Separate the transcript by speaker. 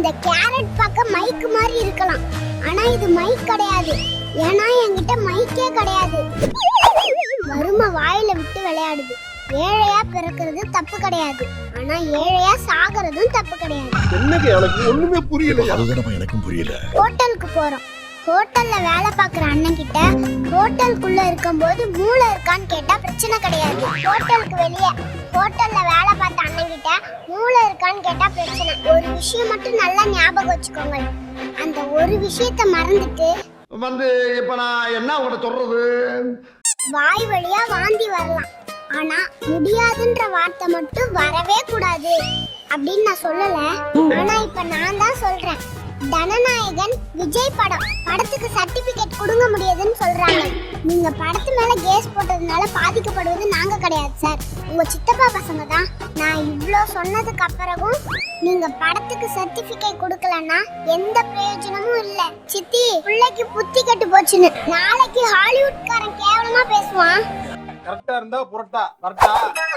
Speaker 1: இந்த கேரட் பார்க்க மைக் மாதிரி இருக்கலாம், ஆனா இது மைக் கிடையாது. ஏன்னா என்கிட்ட மைக்கே கிடையாது. வறுமை வாயில விட்டு விளையாடுது. ஏழையா பிறக்கிறது தப்பு கிடையாது, ஆனா ஏழையா சாகிறதும் தப்பு கிடையாது.
Speaker 2: என்னங்க எனக்கு ஒண்ணுமே புரியல.
Speaker 3: அதுதான் எனக்கும் புரியல.
Speaker 1: ஹோட்டலுக்கு போறோம். ஹோட்டல்ல வேலை பார்க்குற அண்ணன் கிட்ட ஹோட்டலுக்குள்ள இருக்கும்போது மூளை இருக்கான்னு கேட்டா பிரச்சனை கிடையாது. ஹோட்டலுக்கு வெளியே ஹோட்டல்ல வேலை பார்த்த அண்ணன் கிட்ட மூளை இருக்கான்னு கேட்டா பிரச்சனை. ஒரு விஷயம் மட்டும் நல்லா ஞாபகம் வச்சுக்கோங்க, அந்த ஒரு விஷயத்த மறந்துட்டு
Speaker 2: இப்ப நான் என்ன உங்கள்கிட்ட சொல்றது?
Speaker 1: வாய் வழியா வாந்தி வரலாம், ஆனா முடியாதுன்ற வார்த்தை மட்டும் வரவே கூடாது அப்படின்னு நான் சொல்லல. ஆனா இப்ப நான் தான் சொல்றேன். தனநாயகன் விஜய் படத்துக்கு சர்டிபிகேட் கொடுங்க முடியாதுன்னு சொல்றாங்க. நீங்க படத்து மேல கேஸ் போட்டதுனால பாதிக்கப்படுவது நாங்க கிடையாது சார், உங்க சித்தப்பா பசங்க தான். நான் இவ்ளோ சொன்னதுக்கு அப்புறமும் நீங்க படத்துக்கு சர்டிபிகேட் கொடுக்கலன்னா எந்த பிரயோஜனமும் இல்ல. சித்தி, பிள்ளைக்கு புத்தி கெட்டு போச்சுன்னு நாளைக்கு ஹாலிவுட்காரன் கேவலமா பேசுவான்.
Speaker 2: கரெக்டா இருந்தா புரட்டா கரெக்டா.